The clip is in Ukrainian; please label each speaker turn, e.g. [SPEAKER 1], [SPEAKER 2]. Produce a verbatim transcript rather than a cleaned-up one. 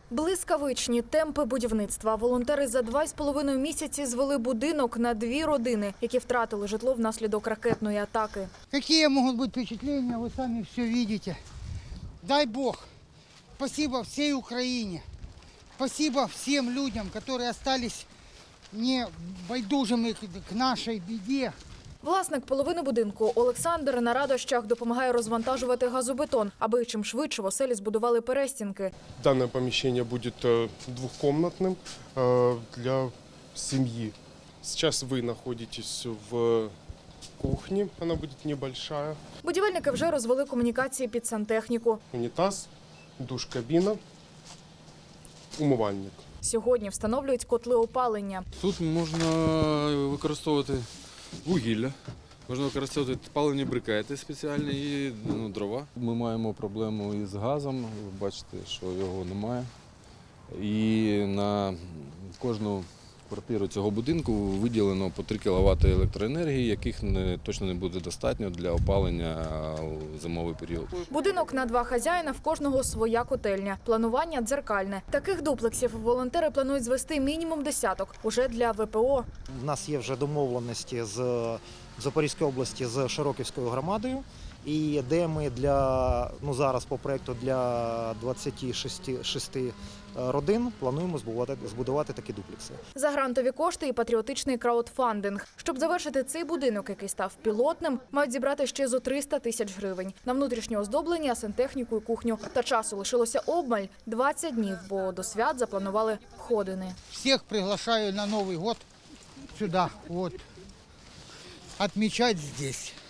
[SPEAKER 1] Блискавичні темпи будівництва. Волонтери за два з половиною місяці звели будинок на дві родини, які втратили житло внаслідок ракетної атаки.
[SPEAKER 2] Какие могут быть впечатления, вы сами все видите. Дай Бог, спасибо всей Украине, спасибо всем людям, которые остались не байдужими к нашей беде.
[SPEAKER 1] Власник половини будинку Олександр на радощах допомагає розвантажувати газобетон, аби чим швидше в оселі збудували перестінки.
[SPEAKER 3] Данное помещение будет двухкомнатным для семьи. Сейчас вы находитесь в кухне, она будет небольшая.
[SPEAKER 1] Будівельники вже розвели комунікації під сантехніку.
[SPEAKER 3] Унитаз, душ-кабина, умивальник.
[SPEAKER 1] Сьогодні встановлюють котли опалення.
[SPEAKER 4] Тут можна використовувати вугілля, можна використовувати паливні брикети спеціальні і ну, дрова. Ми маємо проблему із газом, ви бачите, що його немає. І на кожну квартиру цього будинку виділено по три кіловати електроенергії, яких не, точно не буде достатньо для опалення у зимовий період.
[SPEAKER 1] Будинок на два хазяїна, в кожного своя котельня. Планування дзеркальне. Таких дуплексів волонтери планують звести мінімум десяток, уже для ве пе о.
[SPEAKER 5] У нас є вже домовленості з Запорізької області з Широківською громадою, і де ми для, ну зараз по проєкту для двадцяти шести родин плануємо збудувати, збудувати такі дуплекси.
[SPEAKER 1] За грантові кошти і патріотичний краудфандинг. Щоб завершити цей будинок, який став пілотним, мають зібрати ще зо триста тисяч гривень. На внутрішнє оздоблення, сантехніку і кухню. Та часу лишилося обмаль – двадцять днів, бо до свят запланували входини.
[SPEAKER 2] Всех приглашаю на Новый год сюда, вот, отмечать здесь.